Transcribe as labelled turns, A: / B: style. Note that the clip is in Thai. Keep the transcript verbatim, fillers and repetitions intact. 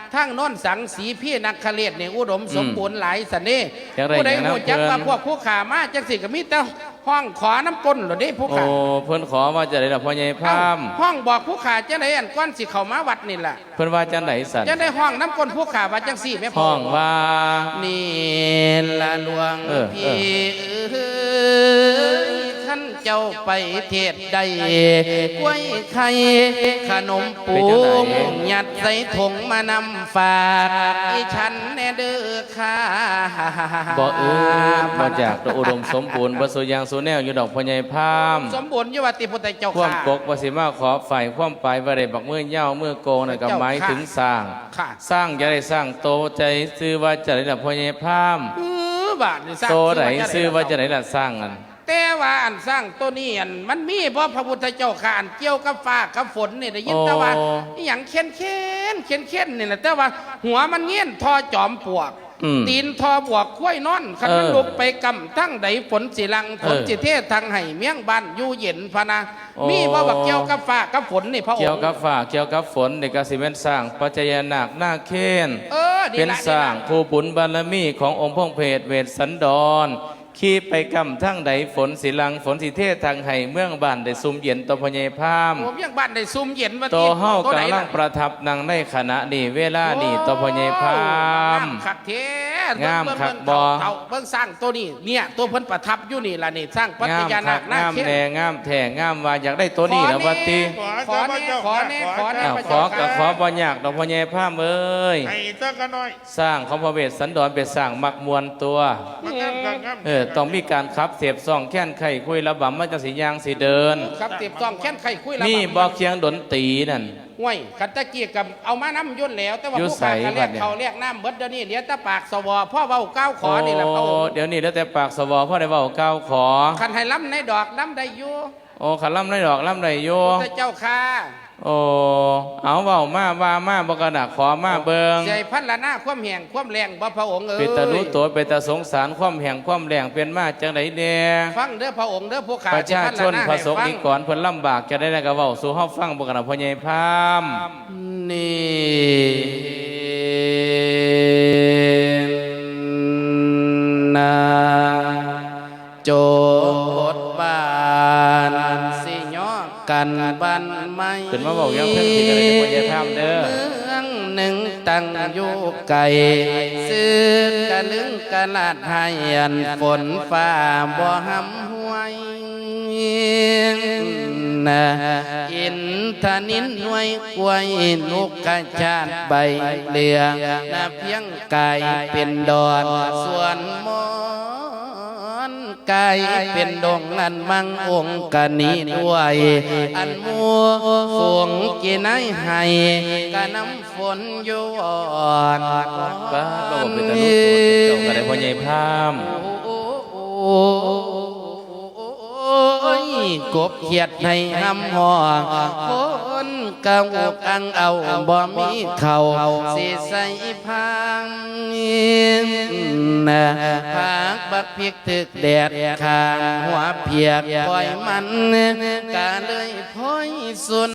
A: ทั้งโน้นสังสีพี่นักขเลศเนี่ยอุดมสมบูรณ์หลายสันนี่ผู้ใดหูจักว่าพวกผู้ขามาจังสิก็มีแต่ห้องขอน้ำก้นหรือได้ผู้ขา
B: โอ้เพิ่นขอมาจะได้ละพ่อใหญ่พาม
A: ห้องบอกผู้ขาจะได้อันก้อนสิเข้ามาวัดนี่แหละ
B: เพิ่นว่าจังไหนสัน
A: จะได้ห้องน้ำก้นผู้ขาว่าจังสี่ไม่พอ
B: ห้องว่า
A: นี่ละหลวงพี่ท่านเจ้าไปเทศใดกล้วยไข่ขนมปูยัดใส่ถุงมานำฝากอีฉันแน่เด้อค่ะ
B: บ่เออมาจากตัวอุดมสมบูรณ์บ่สุยางสุแนวอยู่ดอกพ่อใหญ่พาม
A: สมบูรณ์อยู่ว่าติพุทธเจ้าค่ะ
B: ความปกว่าสิมาขอฝ่ายความไปบ่ได้บักมือเหี่ยวมือโกงนั่นก็หมายถึงสร้างสร้างจะได้สร้างโตใจซื้อว่าจะได้ละพ่อใหญ่พาม
A: เออบาทนี่สร้าง
B: โตไหนซื้อว่าจะได้ละสร้างอัน
A: แต่ว่าอันสร้างตัวนี้อันมันมีเพราะพระพุทธเจ้าข่านเกี่ยวกับฟ้ากับฝนนี่ได้ยินแต่ว่าอย่างเข็นเข็นเข็นเข็นนี่นะแต่ว่าหัวมันเงี้ยนทอจอมปลวกตีนทอบวกคุ้ยนอนขันมันลุกไปกำทั้งใดฝนสิลังฝนสิเทศทางไห้เมียงบ้านอยู่เย็นพะนะมีบ่ว่าเกี่ยวกับฟ้ากับฝนนี่พระองค์
B: เกี่ยวกับฟ้าเกี่ยวกับฝนเด็กกสิเป็นสร้างปัจจัยนาคหน้าเค้นเป็นสร้างผู้บุญบารมีขององค์พระเพทเวสสันดรขี่ไปกำทั้งใดฝนสิลังฝนสิเทศทางไห้เมืองบ้านได้ซุ่มเย็นต่อพญายพาม
A: ผมยังบ้านได้ซุ่มเย็นว่า
B: ต่อเฮากำลังประทับนั่งในขณะนี้เวลานี้ต่อพญายพาม
A: งามขัดเท
B: งามขัดบอ
A: เบิ่งสร้างตัวนี้เนี่ยตัวเพิ่นประทับอยู่นี่ล่ะนี่สร้างปัจจัยนาคหน้า
B: เค้นงามแน่งามแท้งามว่าอยากได้ตัวนี้แล้ววัดติ
A: ขอแน่ขอแน่ขอแน่
B: ขอกับขอบ่ยากดอกพญายพามเอ้ย
C: ให้สักกันหน่อย
B: สร้างของพระเวสสันดรเป็นสร้างมักมวลตัวเออต้องมีการขับเสียบซ่องแค้นไข่คุยระบำมาจังสียางสีเดิน
A: ขับเสียบซ่องแค้นไข่คุยระบำ
B: นี่บอกเคียงดนตรีนั่น
A: ห้วยขันตะเกียกับเอามาน้ำยุ่นแล้วแต่ว่าผู้ขายเรียกเขาเรียกน้ำเบิดเดี๋ยวนี้เดี๋ยวตะปากสวพ่อเบาเก้าขอนี่แหละเขา
B: เดี๋ยวนี้แล้วแต่ปากสวพ่อได้เบาเก้าขอ
A: ขันให้ล้ำในดอกล้ำได้อยู่
B: โอ้ขันล้ำในดอกล้ำได้อยู่
A: พระเจ้าค่ะ
B: โอ้เอาเบามาว่ามาบกระดาขอมาเบิง
A: ใจพันละหน้าความแห่งความแรงบ่พระองค์เอ้ย
B: เป็นตารู้ตัวเป็นตาสงสารความแห่งความแรงเป็นมาจังไดเน่
A: ฟังเด้อพระองค์เด้อพวกข้า
B: ประชาชนพระสงฆ์นิกรเพิ่นลำบากจะได้กระเว้าสู่เฮาฟังบกระดาพ่อใหญ่พาม
A: นี่นาโจดบ้านสิยอกันบ้านไม่
B: ขึ้นมาบอกยังเพิ่งที่กันเลยพ่อใหญ่พามเด้อ
A: เมืองหนึ่งตั้งอยู่ไกลซื้อกะลึงกะลาดให้อันฝนฟ้าบ่หำห้วยนะอินทนินหน่วยกล้วยลูกกระชาดใบเหลืองนะเพียงกายเป็นดอนส่วนมอนกายเป็นดงอันมังองค์กะนี้ด้วยอันมัวฝงกินไอให้กะน้ำฝนอยู่อ่อน
B: บ้าเราเป็นตาลูกตัวเจ้าก็ได้พ่อใหญ่พาม
A: กบเขียดให้หำหอกคนกะอุกอังเอาบ่มีเขาสิใส่พังนะผักบักพริกถึกแดดข้างหัวเพียกปล่อยมันกะเลยพ้อยสุน